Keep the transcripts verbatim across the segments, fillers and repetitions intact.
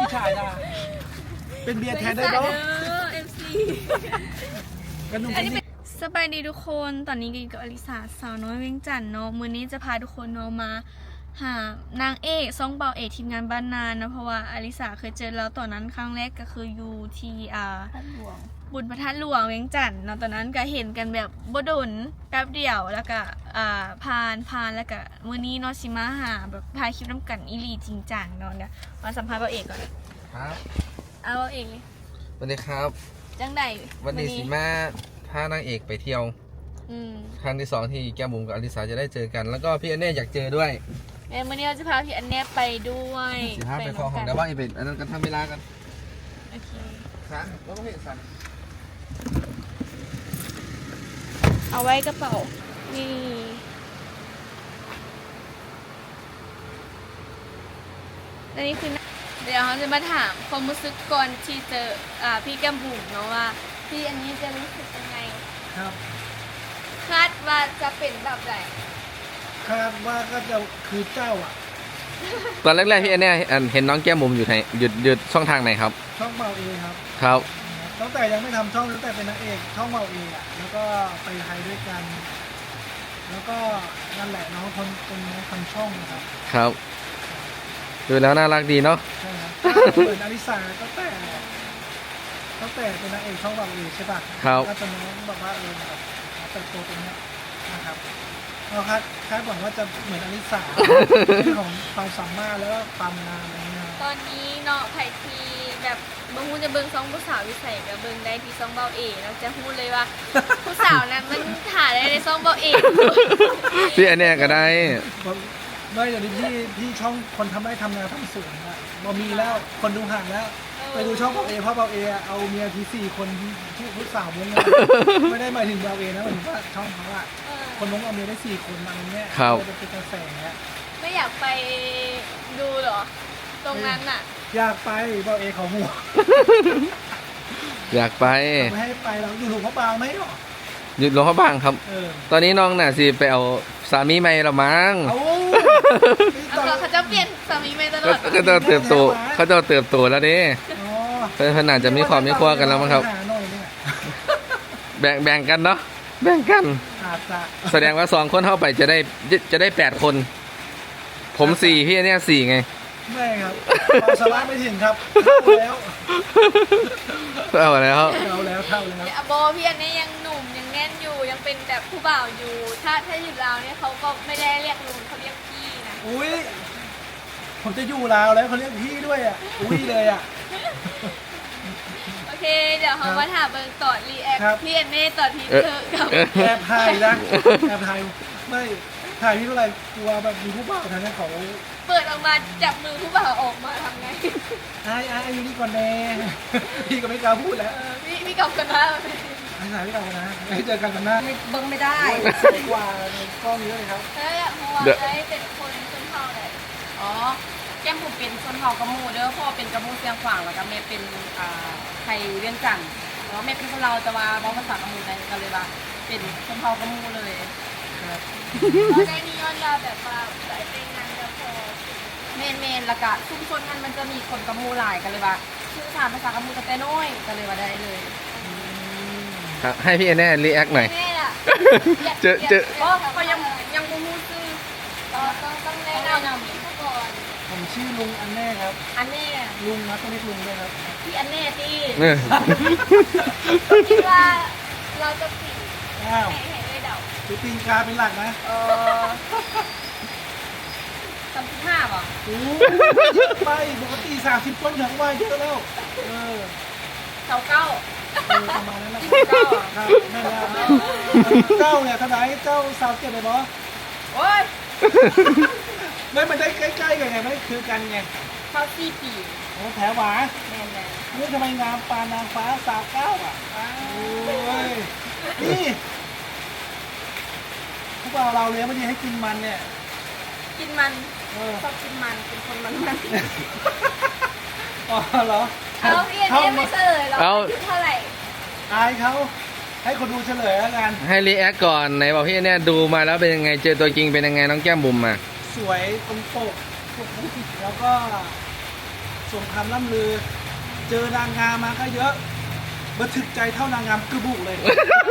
ชายนะเป็นเบียร์แทนได้เนาะเนาะเอฟซีกันนุ่มกันนี่สบายดีทุกคนตอนนี้กินกับอลิสาสาวน้อยเวียงจันทน์เนาะมื้อนี้จะพาทุกคนเนาะมาหานางเอกซ่องเบาเอกทีมงานบ้านนานนะเพราะว่าอลิสาเคยเจอแล้วตอนนั้นครั้งแรกก็คืออยู่ที่อ่าบุญพระธาตุหลวงเวียงจันทน์เนาะตอนนั้นก็เห็นกันแบบบ่ดนแป๊บเดียวแล้วก็อ่าผ่านผ่านแล้วก็มื้อนี้เนาะสิมาหาแบบถ่ายคลิปน้ำกันอีหลีจริงจังเนาะเนี่ยมาสัมภาษณ์เบาเอกก่อนครับเอาเบาเอกเลยสวัสดีครับจังใดวันนี้สีมาพานางเอกไปเที่ยวอืมครั้งที่สองที่แก้มบุ๋มกับอลิสาจะได้เจอกัน แล้วก็พี่อันเน่อยากเจอด้วยเอ้ยมื้อนี้เราจะพาพี่อันเนี้ยไปด้วยสีห้าไปคอของเดี๋ยวว่าอีเวนต์อันนั้นกันทำเวลากันโอเคครับแล้วก็เห็นสันเอาไว้กระเป๋า นี่ อันนี้คือเดี๋ยวเราจะมาถามความรู้สึกก่อนที่เจออ่าพี่แก้มบุ๋มเนาะว่าพี่อันนี้จะรู้สึกยังไงครับคาดว่าจะเป็นแบบไหนคาดว่าก็จะคือเจ้าอ่ะตอนแรกๆพี่อันเน่อันเห็นน้องแก้มบุ๋มอยู่ไหนหยุดหยุดช่องทางไหนครับช่องเบาเองครับครับตั้งแต่ยังไม่ทำช่องตั้งแต่เป็นนางเอกช่องเบาเองอ่ะแล้วก็ไปไทยด้วยกัน แล้วก็นั่นแหละน้องคนเป็นน้องทำช่องนะครับครับดูแล้วน่ารักดีเนาะใช่ครับเหมือนอลิสาตั้งแต่ตั้งแต่เป็นนางเอกช่องเบาเองใช่ป่ะครับก็จะน้องบอกว่าเออแบบเติบโตตรงเนี้ยนะครับเราคาดคาดหวังว่าจะเหมือนอลิสา เรื่องของความสามารถแล้วก็ความงามอะไรเงี้ยตอนนี้เนาะไผ่ทีแบบบางคนจะเบิ่งซองผู้สาววิสัยกับเบิ่งได้ที่ซองเบาเอกเราจะพูดเลยว่า ผู้สาวนั้นมันถ่ายได้ในซองเบาเอกพี่อันเน่ก็ได้ไม่อย่างนี้พี่พี่ช่องคนทำได้ทำนาทำสวนอะบอมีแล้วคนดูห่างแล้ว ไปดูช่องเบาเอเพราะเบาเออะเอาเมียทีสี่คนที่ผู้สาวม้วนเลยไม่ได้หมายถึงเบาเอนะหมายถึงว่าช่องเขาอะเออคนม้วนเอาเมียได้สี่คนอะไรเงี้ยครับจะเป็นกระแสไม่อยากไปดูเหรอ ตรงนั้นน่ะอยากไปเบาเอเขาหัวอยากไปไม่ให้ไปเราอยู่หลวงพ่อบางไหมหรอหยุดหลวงพ่อบางครับเออตอนนี้น้องน่ะสิไปเอาสามีใหม่ละมั้งเอาเอาเขาจะเปลี่ยนสามีไม่ตลก็อดก็จะเติบโตเขาจะเติบโตแล้วนี่อ๋อเพื่อนอาจจะมีความมีครัวกันแล้วมั้งครับหาหน่อยเนี่ยแบ่งแบ่งกันเนาะแบ่งกันอาจจะแสดงว่าสองคนเข้าไปจะได้จะจะได้แปดคน ผมสี่พี่เนี่ยสี่ไงไม่ครับความสามารถไม่ถึงครับเท่าแล้วเอาแล้วเท่าแล้วเท่าแล้วเนี่ยโบพี่อันนี้ยังหนุ่มยังแน่นอยู่ยังเป็นแบบผู้บ่าวอยู่ ถ้าถ้าอยู่ลาวเนี่ยเขาก็ไม่ได้เรียกลุงเขาเรียกพี่นะอุ้ยผมจะอยู่ลาวแล้วเขาเรียกพี่ด้วยอ่ะอุ้ยเลยอ่ะโอเค เดี๋ยวเขามาถามเบิร์ต่อรีแอคครับพี่อันนี้ต่อทีเธอกับแอบถ่ายนะแอบถ่ายไม่ถ่ายพี่เท่าไหร่กลัวแบบมีผู้บ่าวทางนั้นเขาเปิดออกมาจับมือผู้บ่าวออกมาทำไงไอ้ไอ้อายุนี่ก่อนแน่ พี่ก็ไม่กล้าพูดแล้วเออพี่พี่กอบกันว่าไอ้ถ่ายพี่กลับกันนะให้เจอกันกันหน้าเบิ้งไม่ได้สวยกว่าในกล้องเยอะเลยครับเฮ้ยเพราะว่าได้เป็นคนชนเผ่าเลยอ๋อ แก้มผมเป็นชนเผ่ากระมูเด้อพ่อเป็นกระมูเสียงขวางแล้วก็แม่เป็นอ่าไทยเวียงจันทน์แล้วก็แม่เป็นคนเราวแต่ว่าบอกภาษากระมูได้ก็เลยว่าเป็นชนเผ่ากระมูเลยครับเราได้นิยมเราแบบว่าสายเป็นงานจะพอเมนเมนแล้วก็ชุมชนนั้นมันจะมีคนกระมูหลายกันเลยว่าชื่อสามภาษากระมูกันแต่น้อยก็เลยว่าได้เลยครับให้พี่แน่รีแอคหน่อยแน่ล่ะเจอเจอก็ก็ยังยังบ่ฮู้ชื่อต้องต้องต้องแนะนำผู้ก่อนผมชื่อลุงอันแน่ครับอันแน่ลุงนะต้องเรียกลุงด้วยครับพี่อันแน่ที่เออคิดว่าเราจะปิดอ้าวให้ให้ด้วยเดาคือตีนกาเป็นหลักนะเออสามสิบห้าป่ะโอ้ไปปกติสามสิบต้นถึงว่าเยอะแล้วเออเสาเก้าเออประมาณนั้นแหละเก้าครับแม่นแล้วเจ้าเนี่ยเท่าไหร่เจ้าสาวเจ็ดเลยบอโอ้ยไม่มันได้ใกล้ๆกันไงไม่คือกันไงเข้าสี่ปีโอ้แถวหวาแม่นแล้วนี่ทำไมงามปานนางฟ้าสาวเก้าอ่ะโอ้ยนี่พวกเราเราเลี้ยงไม่ดีให้กินมันเนี่ยกินมันเออชอบกินมันเป็นคนมันมันอ๋อเหรอเอาพี่อันนี้ไม่เฉลยหรอกคิดเท่าไหร่อายเขาให้คนดูเฉลยแล้วกันให้รีแอคก่อนไหนบอกพี่แน่ดูมาแล้วเป็นยังไงเจอตัวจริงเป็นยังไงน้องแก้มบุ๋มอ่ะสวยตรงปกแล้วก็สงครามล่ำลือ เจอนางงามมาก็เยอะบันทึกใจเท่านางงามกระบุเลย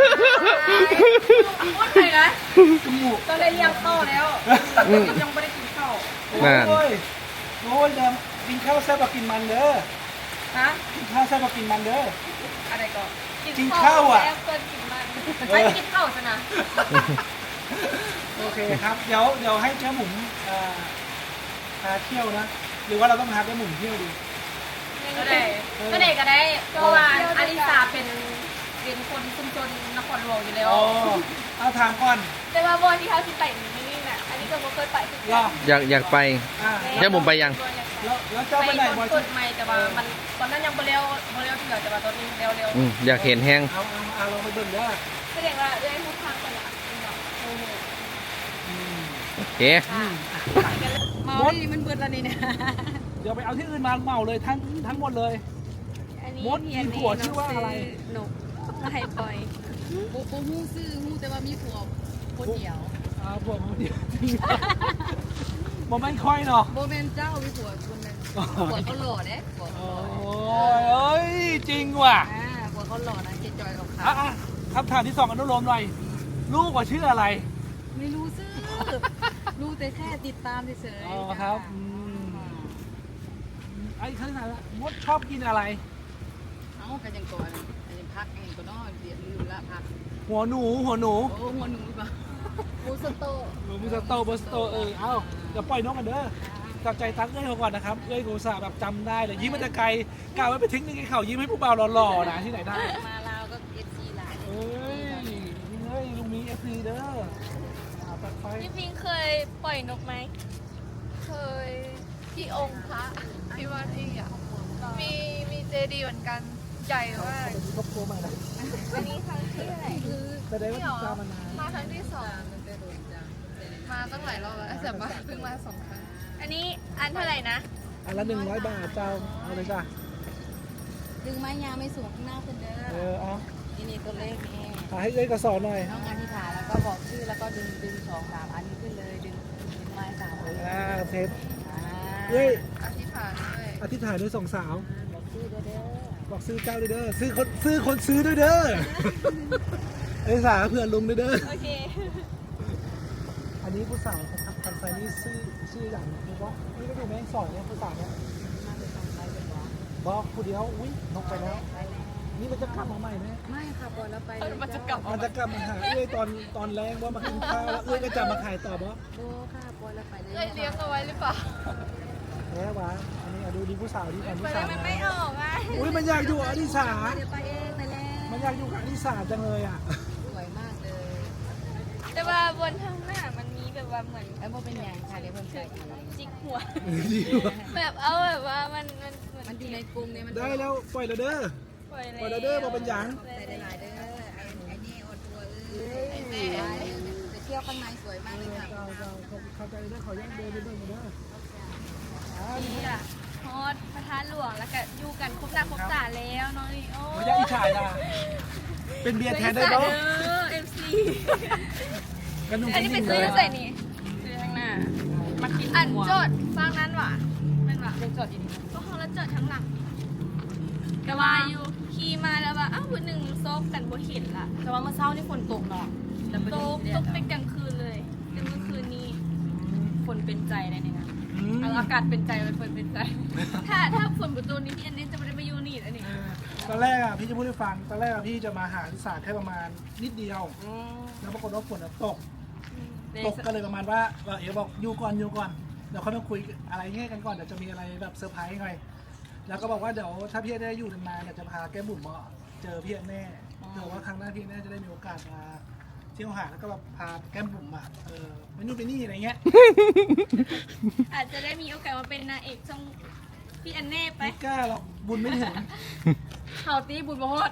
พูดเลยนะกระบุก็ได้เลี้ยงข้าวแล้วยังไม่ได้กินข้าวโอ้ยโอ้ยเดิมกินข้าวแซ่บกว่ากินมันเด้อฮะกินข้าวแซ่บกว่ากินมันเด้ออะไรก่อนกินข้าวอ่ะแล้วเกินกินมันไม่กินข้าวซะนะโอเคครับ เดี๋ยวเดี๋ยวให้เจ้าหมุนเอ่อพาเที่ยวนะ หรือว่าเราต้องพาเจ้าหมุนเที่ยวดีก็ได้ก็ได้ก็ได้เพราะว่าอาริสาเป็นเป็นคนชุมชนนครหลวงอยู่แล้วอ๋อเอาถามก่อนแต่ว่าบอลที่เขาสิไปนี่นี่น่ะอันนี้ก็บ่เคยไปคือรออยากอยากไปอ่าแค่ผมไปยังแล้วแล้วเจ้าไปไปไหนคบ่อน ยกดไม่แต่ว่ามันตอนนั้นยังบ่เร็วบ่เร็วเถื่อแต่ว่าตอนนี้เร็วเร็วอืมอยากเห็นแห้งเอาเอาเอาลองไปเบิ่งเด้อแสดงว่าเอ้ยทุกทางกันละอืมโอเคอืมเมานี่มันเบิดแล้วนี่นะเดี๋ยวไปเอาที่อื่นมาเหมาเลยทั้งทั้งหมดเลยอันนี้มดมีผัวชื่อว่าอะไรนกมาให้ปล่อยโอ้โหฮู้ซื้อฮู้แต่ว่ามีผัวคนเดียวอ่าผัวมันเดียวจริงบ่แม่นค่อยเนาะโบแมนเจ้ามีผัวคนนึงผัวเขาหล่อเด้ผัวโอ้ยเอ้ยจริงว่ะอ่าผัวเขาหล่อนะเจจอยกับเขาอ่ะอ่ะคำถามที่สองอนุโลมหน่อยลูกว่าชื่ออะไรไม่รู้ซื้อรู้แต่แค่ติดตามเฉยอ๋อครับอืมไอ้ขนาดละมดชอบกินอะไรเอ้ากันยังก่อนยังพักเองก็นอนเดี๋ยวลืมละพักหัวหนูหัวหนูโอ้หัวหนูป่ะมูสโตหนูมิสโตบสโตเออเอ้าเดี๋ยวปล่อยนกกันเด้อจับใจตั้งเอ้ยเขาก่อนนะครับเอ้ยกูสาแบบจำได้เลยยิ้มมันจะไกลกล่าวไว้ไปทิ้งนึงไอ้เข่ายิ้มให้ผู้บ่าวหล่อๆนะที่ไหนได้มาลาวก็เอฟซีหลายเอ้ยนี่เอ้ยลุงมีเอฟซีเด้ออ่าตัดไฟพี่พิงเคยปล่อยนกไหมเคยที่องค์พระที่วัดอีกอ่ะมีมีเจดีย์เหมือนกันใหญ่มากครอบครัวใหม่นะอันนี้ครั้งที่เท่าไหร่คือแสดงว่าติดตามมานานมาครั้งที่สองมันจะโดนจังมาตั้งหลายรอบแล้วแต่มาเพิ่งมาสองครั้งอันนี้อันเท่าไหร่นะอันละหนึ่งร้อยบาทเจ้าเอาเลยจ้ะดึงไม้ยาวไม่สูงข้างหน้าคุณเด้เอออเอานี่นี่ตัวเลขนี่หาให้เอ้ยกระสอบหน่อยน้องอธิษฐานแล้วก็บอกชื่อแล้วก็ดึงดึงสองสามอันนี้ขึ้นเลยดึงดึงไม้สามอันอ่าเทปอ่าเอ้ยอธิษฐานด้วยอธิษฐานด้วยสองสาวบอกชื่อด้วยเด้อบอกซื้อเจ้าด้วยเด้อซื้อคนซื้อคนซื้อด้วยเด้อไอ้สาเพื่อนลุงด้วยเด้อโอเคอันนี้ผู้สาวครับทำไซนี่ชื่อชื่ออย่างนี้ว่านี่ก็ดูแม่งสอนเนี่ยผู้สาวเนี่ยมาเลยต้องไปเป็นบอกบอกผู้เดียวอุ้ยนกไปแล้วไปแล้วนี่มันจะกลับมาใหม่ไหมไม่ค่ะปล่อยแล้วไปเลยมันจะกลับมันจะกลับมาหาเอ้ยตอนตอนแรงว่ามากินข้าวแล้วเอ้ยก็จะมาขายต่อบ่โบค่ะปล่อยแล้วไปเลยเอ้ยเลี้ยงเอาไว้หรือเปล่าแพ้วะอันนี้อ่ะดูดีผู้สาวที่ก่อนไปผู้เลสาวยมันไม่ออกอ่ะอุ้ยมันอยากอยู่กับอดิสาเดี๋ยวไปเองไปแล้วมันอยากอยู่กับอดิสาจังเลยอ่ะสวยมากเลยแต่ว่าบนข้างหน้ามันมีแบบว่าเหมือนไอ้โบเป็นยังค่ะเดี๋ยวเพิ่มเติมอีกจิกหัวดีว่ะแบบเอาแบบว่ามันมันเหมือนมันอยู่ในกรุงเนี่ยมันได้แล้วปล่อยแล้วเด้อปล่อยปล่อยแล้วเด้อมาเป็นหยังใส่ได้หลายเด้อไอ้ไอ้นี่อดตัวเอ้ยไอ้แม่จะเที่ยวข้างในสวยมากเลยค่ะเจ้าเจ้าเข้าใจเด้อขอแยกเดินไปเบิ่งเด้ออ่านี่ล่ะฮอดพระธาตุหลวงแล้วก็อยู่กันครบหน้าครบตาแล้วเนาะนี่โอ้ไม่อยากอิจฉาจ้ะเป็นเบียร์แทนได้เด้บ่อเอฟซีกันนุ่งอันนี้เป็นเลซื้ยอใส่นี่คือข้างหน้ามากินอันจดฟังนั้นว่ะเป็นว่ะเป็นจอดอยู่นี่ก็ห้องแล้วจดทั้งหลังแต่ว่าอยู่ขี่มาแล้วว่าอ้าววันหนึ่งซบกันบ่เห็นละแต่ว่าเมื่อเช้านี่ฝนตกเนาะแต่ไม่ตได้กตกเป็นกลางคืนเลยเป็นเมื่อคืนนี้ฝนเป็นใจได้เนี่ยนะอืมเอาอากาศเป็นใจเป็นฝนเป็นใจถ้าถ้าฝนประตูนี้พี่อันนี้จะไม่ได้มาอยู่นี่แล้วนี่ตอนแรกอ่ะพี่จะพูดให้ฟังตอนแรกอ่ะพี่จะมาหาที่ศาสตร์แค่ประมาณนิดเดียว แล้วปรากฏว่าฝนอะตก ตกก็เลยประมาณว่าว่าเอ๋บอกอยู่ก่อนอยู่ก่อนเดี๋ยวเขามาคุยอะไรเงี้ยกันก่อนเดี๋ยวจะมีอะไรแบบเซอร์ไพรส์หน่อยแล้วก็บอกว่าเดี๋ยวถ้าพี่ได้อยู่นานๆเดี๋ยวจะพาแก้มบุ๋มมาเจอพี่แน่เผื่อว่าครั้งหน้าพี่แน่จะได้มีโอกาสมาเที่ยวหาแล้วก็แบบพาแก้มบุ๋มมาเออไปนู่นไปนี่อะไรเงี้ยอาจจะได้มีโอกาสมาเป็นนางเอกช่องพี่อันเน่ไปไม่กล้าหรอกบุญไม่ถึงข่าวตีบุญบฮอด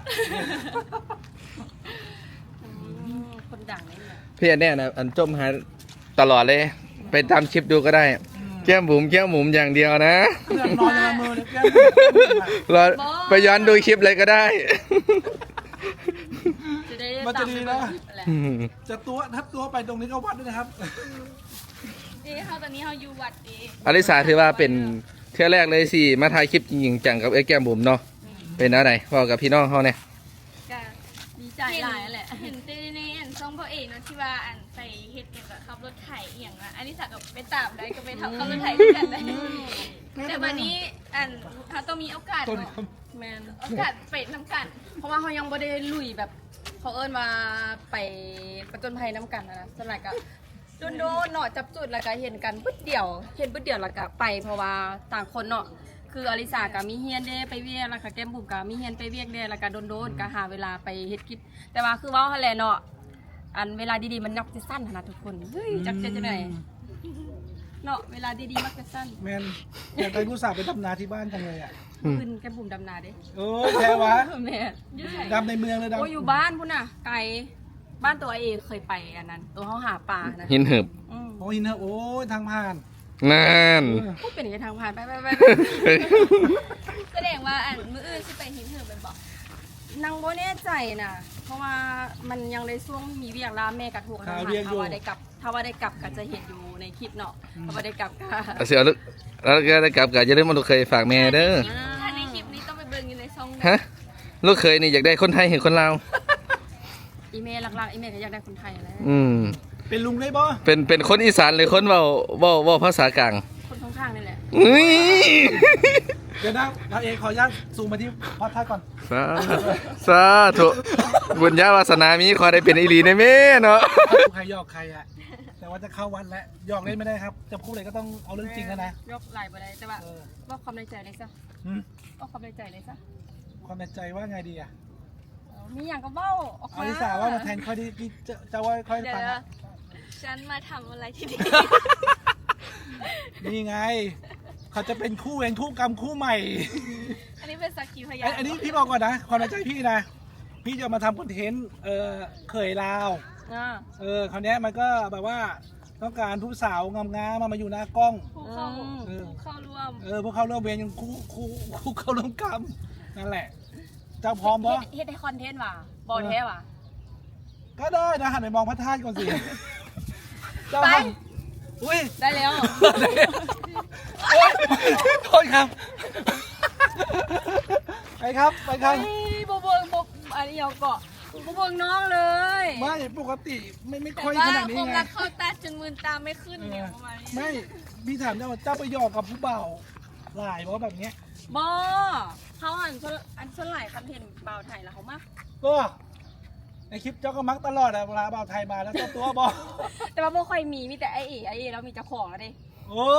คนดังนี่แหละพี่อันเนี้ยนะอันจมหาตลอดเลย ไปตามคลิปดูก็ได้ แก้มบุ๋มแก้มบุ๋มอย่างเดียวนะเรื่องนอนในละเมอเลยแก้มบุ๋มอะรอไปย้อนดูคลิปเลยก็ได้จะได้มันจะดีนะแหละจะตัวทับตัวไปตรงนี้ก็วัดด้วยนะครับดีเขาตอนนี้เขาอยู่วัดดีอลิสาถือว่าเป็นเที่ยวแรกเลยสิมาถ่ายคลิปจริงๆจังกับไอ้แก้มบุ๋มเนาะเป็นอะไรบอกกับพี่น้องเขาเนี่ยก็ดีใจหลายแหละเห็นเต้ในอันช่องพ่อเอกเนาะที่ว่าอันไปเฮ็ดเกี่ยวกับขับรถไถอหย่างละอันนี้สักกับไปตามได้ก็ไปทำขับรถไถด้วยกันได้แต่วันนี้อันเขาต้องมีโอกาสต้นเนาะแมนโอกาสไปน้ำกันเพราะว่าเขายังไม่ได้ลุยแบบเขาเอิ้นมาไปประจนภัยน้ำกันนะนะสลายก็โดนโดนๆเนาะจับจุดแล้วก็เห็นกันปึ๊ดเดียวเห็นปึ๊ดเดียวแล้วก็ไปเพราะว่าต่างคนเนาะคืออลิสากับมีเฮียนเด้ไปเวียกแล้วก็แก้มบุ๋มกับมีเฮียนไปเวียกเด้แล้วก็โดนโดนๆก็หาเวลาไปเฮ็ดกิจแต่ว่าคือเว่าหั่นแหละเนาะอันเวลาดีๆมันมักจะสั้นขนาดทุกคนเฮ้ยจักจะจะไหนเนาะเวลาดีๆมักจะสั้นแมนอยากไปผู้สาวไปดำนาที่บ้านจังเลยอ่ะขึ้นแก้มบุ๋มดำนาเด้โอ้ยแพ้วะแม่ดำในเมืองเลยดำโอ้ยอยู่บ้านพุ่นน่ะไกลบ้านตัวเองเคยไปอันนั้น ตัวเขาหาปลานะหินเหิบอืมโอ้ยเนอะโอ้ยทางผ่านนั่นพูดเป็นอย่างไรทางผ่านไปไปไปแสดงว่าอันมื้ออื่นสิไปหินเหินเป็นบอกนางโบแน่ใจนะเพราะว่ามันยังในช่วงมีเวียกแล้วแม่กระทวงข่าวทำเรียกถ้าอยู่ว่าได้กลับถ้าว่าได้กลับก็จะเห็นอยู่ในคลิปเนาะถ้าว่าได้กลับก็เอาเสียลึกแล้วก็ได้กลับกับอย่าลืมมาลูกเคยฝากแม่เด้อถ้าในคลิปนี้ต้องไปเบิ่งอยู่ในช่องฮะลูกเคยนี่อยากได้คนไทยเห็นคนลาวอีเมลหลักๆอีเมลก็อยากได้คนไทยแล้วอืมเป็นลุงได้บ่เป็นเป็นคนอีสานหรือคนเว้าเว้าเว้าภาษากลางคนข้างๆนี่แหละอุ้ยเดี๋ยวนะเราเองขออนุญาตซูมมาที่พอดท่าก่อนสาสาธุบุญญาวาสนามีขอได้เป็นอีหลีในแม่เนาะใครหยอกใครอะแต่ว่าจะเข้าวันแล้วหยอกเล่นไม่ได้ครับ จะพูดอะไรก็ต้องเอาเรื่องจริงแล้วนะยกไหลไปได้แต่ว่าเออว่าความในใจเลยซะหืมว่าความในใจเลยซะความในใจว่าไงดีอะเอามีอย่างก็เบ้าออกเอามาลิสาว่ามาแทนค่อยดีจะจะว่าค่อยเดี๋ยวฟังนะอะฉันมาทำอะไรที่นี่นี่ไง เขาจะเป็นคู่เวรคู่กรรมคู่ใหม่อันนี้เป็นสักขีพยาไอ้นอันนี้พี่บอกก่อนนะ ความในใจพี่นะ พี่จะมาทำคอนเทนต์เออเขยลาวอ่าเออคราวเนี้ยมันก็แบบว่าต้องการผู้สาวงามๆมามาอยู่หน้ากล้องผู้เข้าเออผู้เข้าร่วมเออพวกเขาเริ่มเวรยังคู่คู่คู่เข้าร่วมกรรมนั่นแหละ เจ้าพร้อมปะเฮ็ดให้คอนเทนต์ว่ะบอลแท้ว่ะก็ได้นะหันไปมองพระธาตุก่อนสิเจ้าไปทำอุ้ยได้แล้วโอ๊ยโทษครับ ไปครับไปครับเฮ้ยบเบิงบอันนี้เอาเกาะบเบิงน้องเลยไม่ปกติไม่ไม่แต่ค่อยว่าขนาดนี้คงไงรักเข้าตาจนมือตาไม่ขึ้นเนี่ยประมาณนี้ไม่พี่ถามเจ้าว่าเจ้าไปหยอกกับผู้เบ่าวหลายเพราะแบบเนี้ยบอเขาหันส่วนอันส่วนหลายคอนเทนต์เบาไทยแล้วเขามากก็ในคลิปเจ้าก็มักตลอดอะเวลาบ่าวไทยมาแล้วเจ้าตัวบอกแต่ว่าบ่ค่อยมีมีแต่ไอเอไอเอแล้วมีเจ้าของแล้วดิโอ้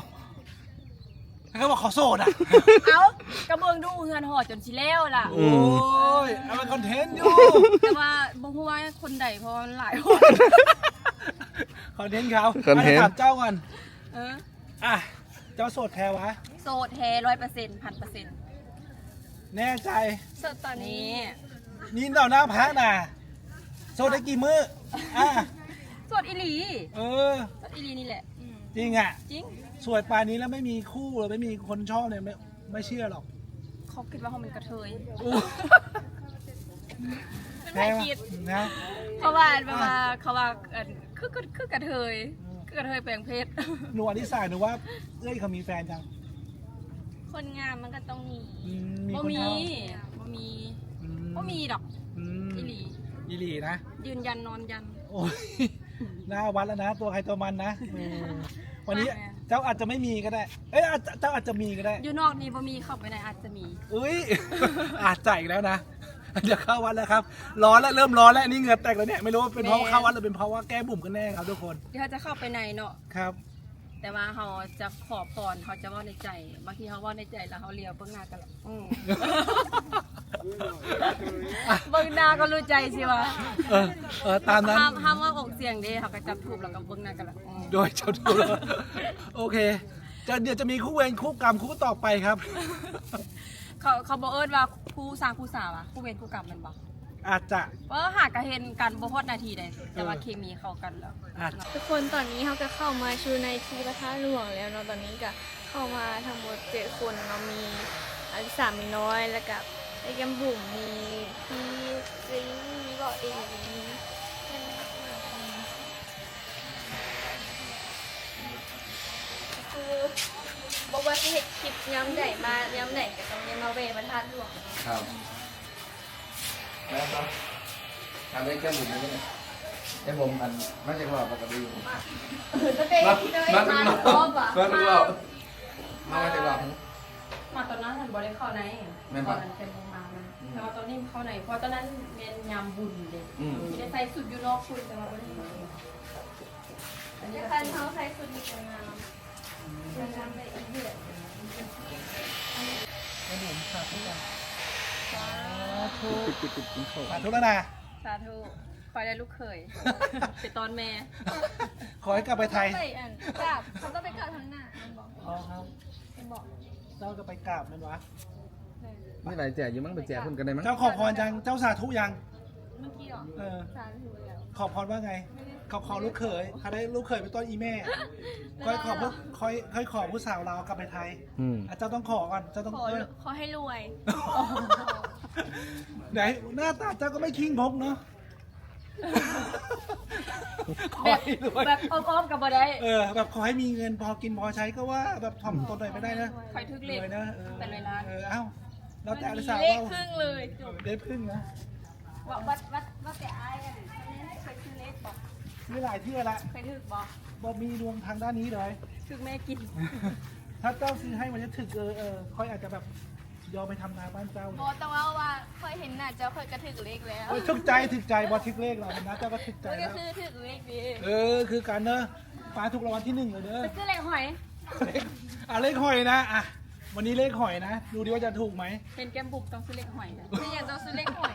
เขาบอกเขาโสดอ่ะเอ้ากระเบิงดูเฮือนหอจนชิแล้วล่ะโอ้ยเอาเป็นคอนเทนต์อยู่แต่ว่าบ่ฮู้ว่าคนใดเพราะมันหลายคนคอนเทนต์เขาคอนเทนต์ะถามเจ้าก่อนเอออ่ะเจ้าโสดแท้วะโสดแท้ร้อยเปอร์เซ็นต์พันเปอร์เซ็นต์แน่ใจสดตอนนี้นี่นี่เราหน้าพักนะโสดได้กี่มื้ออ่ะโสดอีหลีเออโสดอีหลีนี่แหละอืมจริงอ่ะจริงสวยปานนี้แล้วไม่มีคู่หรือไม่มีคนชอบเนี่ยไม่ไม่เชื่อหรอกเขาคิดว่าเขาเป็นกระเทยอู้เป็นแท้ไผ่วะคิดนะเพราะว่าแบบว่าเขาว่าเอิ่นคือคือคือกระเทยคือกระเทยแปลงเพศหนูอนิสาหนูว่าเอ้ยเขามีแฟนจังคนงามมันก็ต้องมีอืมมีบ่คนมีชอบบ่มีอืบ่มีดอกอืมอีหลีอีหลีนะยืนยันนอนยันโอ้ยหน้าวัดแล้วนะ ตัวใครตัวมันนะเออวันนี้แม่เจ้าอาจจะไม่มีก็ได้ เอ้ยอาจจะเจ้าอาจจะมีก็ได้อยู่นอกนี่บ่มีเข้าไปในอาจจะมีอุ้ย อาจจะอีกแล้วนะเดี๋ยวเข้าวัดแล้วครับ ร้อนแล้วเริ่มร้อนแล้วนี่เหงื่อแตกแล้วเนี่ยไม่รู้ว่าเป็นเพราะว่าเข้าวัดหรือเป็นเพราะว่าแก้บุ่มกันแน่ครับทุกคนเดี๋ยวเขาจะเข้าไปในเนาะครับแต่ว่าเขาจะขอพรเขาจะว่าในใจบางทีเขาว่าในใจแล้วเขาเลียวเบื้องหน้ากันละอืม เบื้องหน้าก็รู้ใจสิวะเออเออตามนั้นห้ามห้ามว่าออกเสียงเด้เขาก็จับถูกแล้วก็เบื้องหน้ากันละอืมโดยเจ้าตัว โอเคจะเดี๋ยวจะมีคู่เวรคู่กรรมคู่ต่อไปครับเขาเขาบอกเอิญว่าคู่สร้างคู่สาวอะคู่เวรคู่กรรมแมันบอกอาจจะว่าหากกระเห็นกันบ่ฮอดนาทีใดแต่ว่าเคมีเข้ากันแล้วอาจจะทุกคนตอนนี้เขาก็เข้ามาชูในทีพระธาตุหลวงแล้วเนาะตอนนี้ก็เข้ามาทั้งหมดเจ็ดคนเนาะมีอลิสามีน้อยแล้วก็ไอ้แกมบุ๋มมีพี่ซิงมีบอกเองคือบอกว่าสิเฮ็ดคลิปย้ำใหญ่มาย้ำไหนก็ต้องย้ำมาเวพระธาตุหลวงครับแล้วก็ทำได้แค่หมุนนี้นะไอ้ผมอันไม่ใช่ว่าปกติจะเป็นที่เลยมามามาครบอ่ะมาทุกรอบมาไม่ใช่ว่ามาตอนนั้นฉันบ่ได้เข้าในแม่นตปะอนนั้นเป็นโรงมามันแต่ว่าตอนนี้เข้าในเพราะตอนนั้นเรียนยามบุญเด็กอืมไม่ได้ใส่สุดอยู่นอกคุณแต่ว่าบ่ได้มาอันนี้จะก็คันเขาใช้สุดดีงามจะทำได้อีกเดือนขนมสาธุกันสาธุปิดปิดปิดปิดสาธุแล้วนะสาธุคอยได้ลูกเขยไปตอนแม่ขอให้กลับไปไทยไปอันกราบเขาต้องไปกราบทางหน้ามันบอกอ๋อครับมันบอกเจ้าจะไปกราบนั่นวะไม่ไรแจกอยู่มั้งไปแจกคนกันได้มั้งเจ้าขอพรยังเจ้าสาธุยังเมื่อกี้หรอเออสาธุแล้วขอพรว่าไงเขาขอลูกเขยเขาได้ลูกเขยเป็นต้นอีแม่ค่อยขอผู้ค่อยค่อยขอผู้สาวเราวกลับไปไทยอืมอ่ะเจ้าต้องขอก่อนเจ้าต้องขอเออขอให้รวยไหนหน้าตาเจ้าก็ไม่คิงพกเนาะขอแบบให้รวยแบบอ้อมๆกับบ่ได้เออแบบขอให้มีเงินพอกินพอใช้ก็ว่าแบบถ่อมตนหน่อยไม่ได้นะคอยทึกรเล็กวยนะเออเป็นร้อยล้านเออเอ้าแล้วแต่อลิสาเลขว่าครึ่งเลยจบได้พึ่งนะว่าวัดวัดวัดแต่อายอ่ะเคยซื้อเล็กบอกมีหลายที่ละเคยถึกบอกบ่มีดวงทางด้านนี้เลยถึกแม่กินถ้าเจ้าซื้อให้มันจะถึกเออเออค่อยอาจจะแบบยอมไปทำนาบ้านเจ้าบอแต่ว่าว่าเคยเห็นน่ะเจ้าเคยกระถึกเลขแล้วเออถึกใจถึกใจบอทึกเลขเรานะเจ้าก็ถึกใจมันก็แล้วคือถึกเลขดีเออคือการเนอะปลาถูกรางวัลที่หนึ่งเลยเด้อไปซื้อเล็กหอยอ่ะเลขหอยนะอ่ะวันนี้เลขหอยนะ ดูดิว่าจะถูกไหมเป็นแก้มบุบต้องซื้อเล็กหอยนะไม่อยากต้องซื้อเลขหวย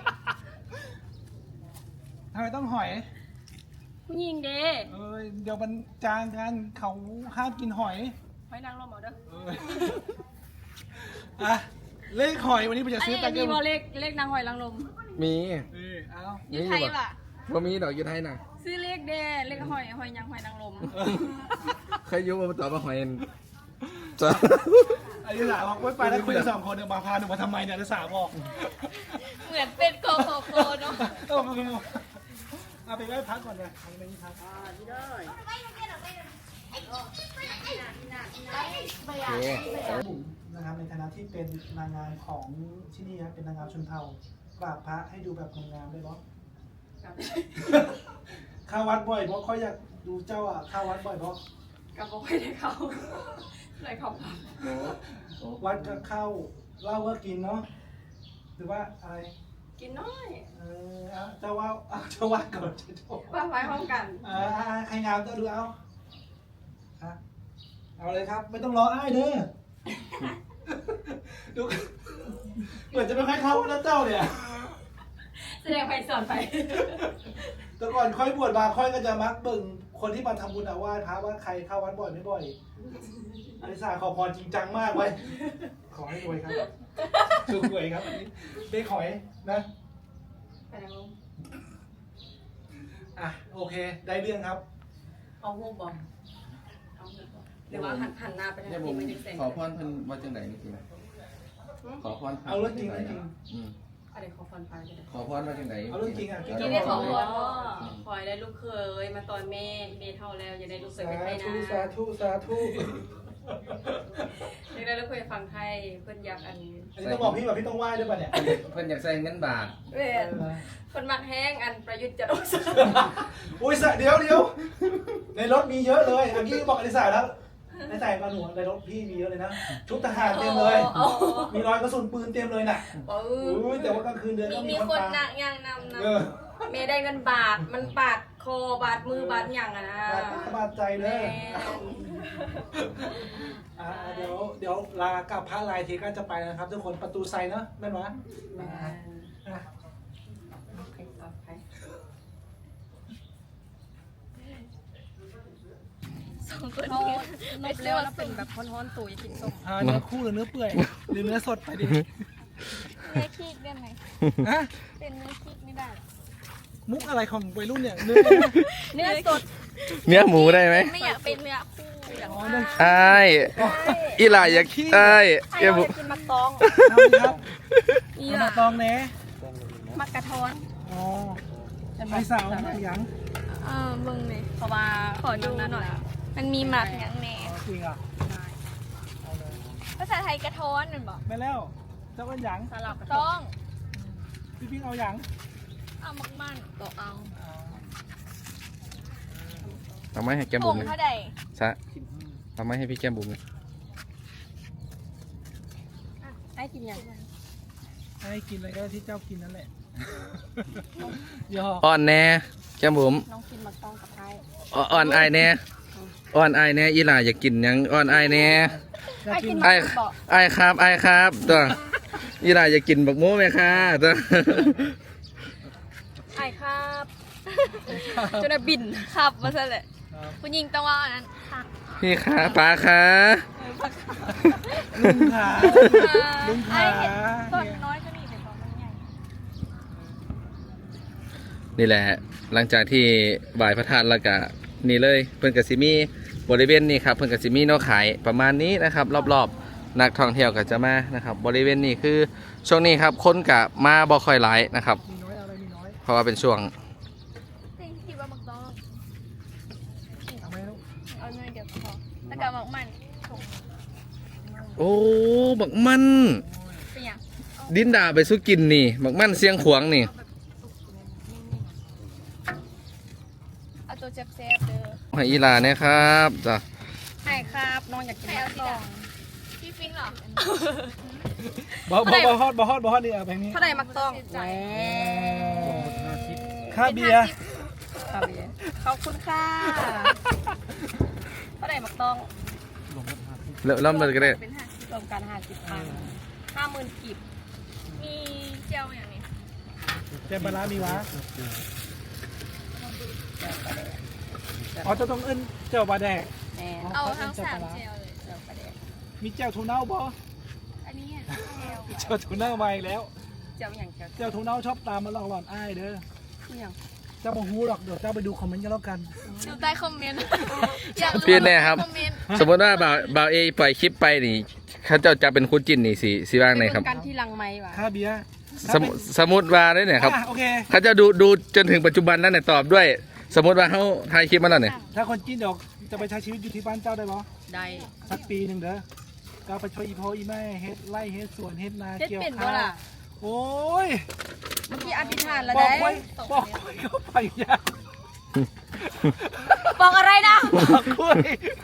ทำไมต้องหอยผู้หญิงเด้เออเดี๋ยวมันจางกันเขาห้ามกินหอยหอยนางรมเอาเด้อเอออ่ะเลขหอยวันนี้ผมจะอันซื้อนี้ไปมีบอเลขเลขนางหอยนางรมมีเออเอาอยูไทยป่ะว่ามีดอกอยู่ไทยน่ะซื้อเลขเด้เลขหอยหอยยังหอยนางรมเคยอยุ่มาต่อมาหอยเอ็นจ้ะอลิสาบอกไม่ไปแล้วคุยกันสองคนเดี๋ยวมาพาหนูมาทำไมเนี่ยอลิสาบอกเหมือนเป็นโกโกโกเนาะเออเอาไปไหว้พักก่อนเลยเอาไปไหว้พักอ่าที่ได้โอเคบุ๋มนะครับในฐานะที่เป็นนางงามของที่นี่ครับเป็นนางงามชนเผ่ากราบพระให้ดูแบบงามๆได้บอเข้าวัดบ่อยเพราะเขาอยากดูเจ้าอ่ะเข้าวัดบ่อยเพราะกับบ่ค่อยได้เข้าเลยเข้าวัดก็เข้าเหล้าก็กินเนาะหรือว่าอะไรกินน้อยเออเอาเจ้าว่าเอาเจ้าว่าก่อนเจ้าว่าว่าไว้พร้อมกันอ่าใครงามก็ดูเอาฮะเอาเลยครับ ไม่ต้องรออ้ายเด้อดูเหมือนจะไม่ค่อยเข้าแล้วเจ้าเนี่ยแสดงไปสอนไปแต่ก่อนค่อยบวชมาค่อยก็จะมักเบิ่งคนที่มาทำบุญเอาไหว้พระว่าใครเข้าวัดบ่อยไม่บ่อยอลิสาขอพรจริงจังมากไว้ยขอให้รวยครับถูกหวยครับอันนี้เด็กหอยนะไปนางรมอ่ะโอเค ได้เรื่องครับเอาหูบอลเอาหูบอลหรือว่าหันหันหน้าไปทางเนี่ยผที่มไม่ได้เซ็นขอพรเพิ่นว่าจังไหนนี่คือขอพรเอาเรื่องจริงว่เรื่องจริงอืมอะไรขอพรไปเลยขอพรว่าจังไหนเอาเรื่องจริงอ่ะกินได้ขอพรว่าคอยได้ลูกเคยมาตอนแม่เมเท่าแล้วอย่าได้ลูกเคยสาไปไทยธุนะสาธุสาธุอยากได้ลูกเคยฟังไทยเพิ่นอยากอันอันนี้ต้องบอกพี่ว่าพี่ต้องไหว้ด้วยป่ะเนี่ยเพิ่นอยากใส่เงินบาทเว้ยคนมักแห้งอันประยุทธ์จะโดนสอุ้ยสะเดี๋ยวเดี๋ยวในรถมีเยอะเลยเมื่อกี้บอกอลิสาแล้วในใส่มาหนูในรถพี่มีเยอะเลยนะชุดทหารเต็มเลย มีรอยกระสุนปืนเต็มเลยน่ะโอ้อุ้ยแต่ว่ากลางคืนเดินมีก็มีมีคคน นหนัตากยางนำนเออเมได้เงินบาทมันบาดคอบาดมือบาดหยังอะนะบาดตาบาดใจเลแม่ยอ่าเดี๋ยวเดี๋ยวลากับพระลายทีก็จะไปนะครับ ทุกคนประตูไซเนอะแม่นวะแม่อ่ะใครตอบใครำสองคนเขานี้ลบแล้วแล้วเป็นแบบฮ้อนๆตุ๋ยกินส้มอ่าเนื้อคู่หรือเนื้อเปื่อยหรือเนื้อสดไปดิเนื้อคีกได้ไหมฮะเป็นเนื้อคีกไม่ได้หรอมุกอะไรของวัยรุ่นเนี่ยเนื้อเนื้อสดเนื้อหมูได้ไหมไม่อยากเป็นเนื้อคู่อยากอ๋อเนื้ออ้ายอีหล่าอยากอ้ายไอ้เอ้ยเราบุจะกินมักตองครับนี่เอาล่ะมาตองแหน่มักกระท้อนอ๋อไอ้สาวหนักยังเออเบิ่งเลยเพราะว่าขอดูหน่อย มันมีหมักอย่างแหน่อ๋อจริงอ่ะเอาเลยภาษาไทยกระท้อนนั่นบอกไปแล้วเจ้าเป็นหยังสลับกันต้องพี่พิงเอาหยังเอามักมันต่อเอาเอาไม้ให้แก้มผบุ๋งมเลยเท่าใดซะเอาไม้ให้พี่แก้มบุ๋มเลยให้กินยังให้กินอะไรก็ที่เจ้ากินนั่นแหละยออ่อนแน่แก้มบุ๋มน้องกินมักต้องกับไทยอ่อ่อนไอายแน่อ่อนไอายแน่อีหล่าอยากกินหยังอ่อนไอายแน่อยากกินไอไอายครับไอายครับตัวอีหล่าอยากกินบักโม้ไหมคะตัวไอ้ครับจนบินครับมาซะเลยคุณยิงต้องว่าอันนั้นค่ะพี่คะป้าคะลุงขาลุงไอ้ขาเห็นต้นน้อยก็นี่แต่ตอนมันใหญ่นี่แหละ หลังจากที่บ่ายพระธาตุแล้วก็นี่เลยเพิ่นกสิมีบริเวณนี้ครับเพิ่นกสิมีเนาะขายประมาณนี้นะครับ รอบๆนักท่องเที่ยวก็จะมานะครับ บริเวณนี้คือช่วงนี้ครับคนกะมาบ่ค่อยหลายนะครับมีน้อยเอาอะไรมีน้อยเพราะว่าเป็นช่วงจริงคิดว่ามักต้องเอาไหมลูกเอาเงินเดี๋ยวพอแล้วก็มักมันถุงโอ้บักมันเป็นอย่างดินดาไปสู้กินนี่บักมันเสียงขวางนี่เอาตัวเจ็บแซ่บๆเด้อให้อีหลาเนี่ยครับจ้ะไอ้ครับน้องอยากกินใครมัเอากสีต้องดำพี่ฟิงเหรอบอบอบอฮอดบอฮอดบอฮอดนี่เอาไปนี้เท่าไหร่มักต้องแหวค่าเบียร์ครับเบียร์ขอบคุณค่ะเท่าไหร่มักต้องแล้วแล้วมันก็ได้เป็นห้ารวมกันห้าสิบพันห้าหมื่นกีบมีเจียวอย่างนี้แจมปลาร้ามีวะอ๋อเจะต้องเอิ้นเจ้าบาแดกแน่เอาทั้งสามเจียวเลยเดี๋ยวประเดี๋ยวมีเจ้าทูเน่าบ่อันนี้อ่ะเจียวเจ้าทูเน่ามาอีกแล้วเจ้าอย่างเจ้าเจ้าทูเน่าชอบตามมาหลอกหลอนอ้ายเด้ออย่างเจ้าบ่ฮู้หรอกเดี๋ยวเจ้าไปดูคอมเมนต์กันแล้วกันดูใต้คอมเมนต์อยากรู้พี่แน่ครับคอมเมนต์สมมติว่าบ่าวบ่าวเอปล่อยคลิปไปนี่เขาเจ้าจะเป็นคู่จิ้นนี่สิสิว่างไหนครับกันที่ลังไม้ว่ะค่าเบียร์สมมุสมมติว่าได้เนี่ยครับอ่ะโอเคเขาจะดูดูจนถึงปัจจุบันแล้วเนี่ยตอบด้วย สมมติว่าเขาถ่ายคลิปมาแล้วเนี่ยถ้าคนจีนเดี๋ยวจะไปใช้ชีวิตอยู่ที่บ้านเจ้าได้บ่ได้สักปีหนึ่งเด้อก็ไปช่วยอีพ่ออีแม่เฮ็ดไร่เฮ็ดสวนเฮ็ดนาเฮ็ดเกี่ยวเป็นข้าบ่วล่ะโอ้ยเมื่อกี้อธิษฐานแล้วบอกได้ไว้บอกไว้เข้าไปยาบอกอะไรนะบอกคุย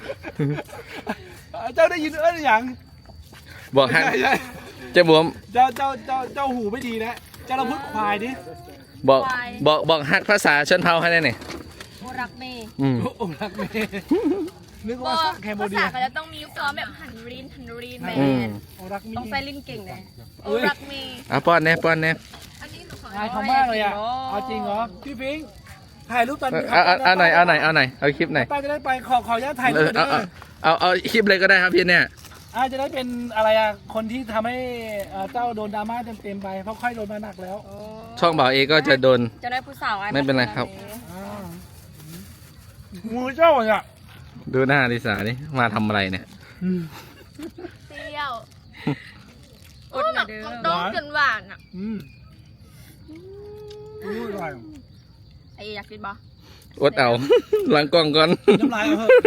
เจ้าได้ยินเอ้ยอย่างบอกฮักใช่ใช่เจ้าบวมเจ้าเจ้าเจ้าเจ้าหูไม่ดีนะเจ้าเราพูดควายดิบอกบอกบอกฮักภาษาชนเผ่าให้ได้เนี่ยโอรักเมย์อืมโอ้รักเมย์นึกบว่าอกแคมโบภาเดีษาย เขาจะต้องมีความแบบหันรีนหันรีนแมอืมนโอ้รักเมย์ต้องใส่ลิ้นเก่งเลยโอรักมีเอาป้อนแน่ป้อนแน่อันนี้หนูขออายเขามากเลยอ่ะเอาจริงเหรอพี่พิงค์ถ่ายรูปตอนเอาเอาเอาหน่อยเอาหน่อยเอาหน่อยเอาคลิปหน่อยป้าจะได้ไปขอขออนุญาตถ่ายเอรูปอด้เอาวยเอาเอาเอาคลิปเลยก็ได้ครับพี่เนี่ยอาจะได้เป็นอะไรอ่ะคนที่ทำให้เอ่อเจ้าโดนดราม่าเต็มๆไปเพราะค่อยโดนมาหนักแล้วช่องบ่าวเอก็จะโดนจะได้ผู้สาวอ้ไม่เป็นไรครับอ่างูเจ้าอ่ะดูหน้าลิสานี่มาทำอะไรเนี่ยเปรี้ยวอดหน่อยเด้อมันต้องจนหวานอ่ะอืมอู้อร่อยไอ้อยากกินบ่อดเอา หลังกล้องก่อนน้ำลายเอาเถอะ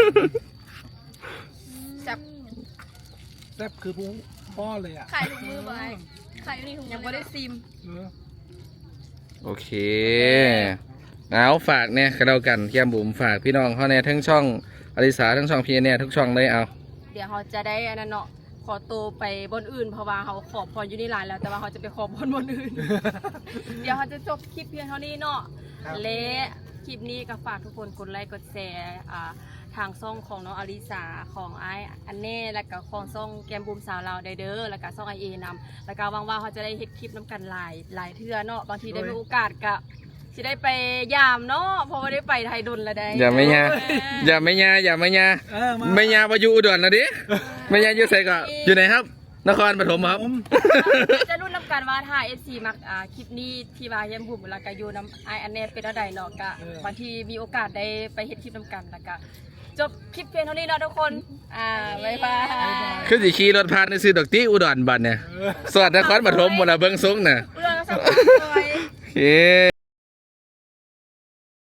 จับแซ่บคือผู้ป้อนเลยอ่ะขายถุงมือไว้ขายอยู่ในถุงมือยังไม่ได้ซิมเออโอเคเอาฝากเนี่ยกระเดากันแก้มบุ๋มฝากพี่น้องเขาเนี่ยทั้งช่องอลิสาทั้งช่องพี่เนี่ยทุกช่องเลยเอาเดี๋ยวเขาจะได้อันนั้นเนาะขอตัวไปบนอื่นเพราะว่าเขาขอพรอยู่ในร้านแล้ว แต่ว่าเขาจะไปขอบนบนอื่น เดี๋ยวเขาจะจบคลิปเพียงเท่านี้เนาะครับและคลิปนี้ก็ฝากทุกคนกดไลค์กดแชร์อ่าทางช่องของน้องอลิสาของไออันเน่และก็ของช่องแกมบูมสาวเราวได้เด้อแล้วก็ช่องไอเอนำแล้วก็หวังว่าเขาจะได้เฮ็ดคลิปน้ำกันหลายหลายเทื่อเนาะบางทีได้มีโอกาสก็สิได้ไปยามเนาะเพราะว่าได้ไปไทยดนแล้วได้อย่าไม่ยาอย่าไม่ยาอย่าไม่ยาเออมาไม่ยาไปอยู่อุดรนะดิไม่ยาอยู่ไสก็อยู่ไหนครับ นครปฐมครับผมจะรุ่นน้ำกันว่าถ้า เอฟ ซี มักอ่าคลิปนี้ที่ว่าแยมบุ๋มแล้วก็อยู่น้ำไออันเน่เป็นอะไรเนาะก็บางทีมีโอกาสได้ไปเฮ็ดคลิปน้ำกันแล้วก็จบคลิปเพียงเท่านี้เนาะทุกคนอ่าบ๊ายบายคือสิขี่รถผ่านในซื้อดอกตี้อุดรบัดเนี่ยสวัสดีนครปฐมหมดละเบิ้งซุ้งน่ะอุดรก็สับสนโอเค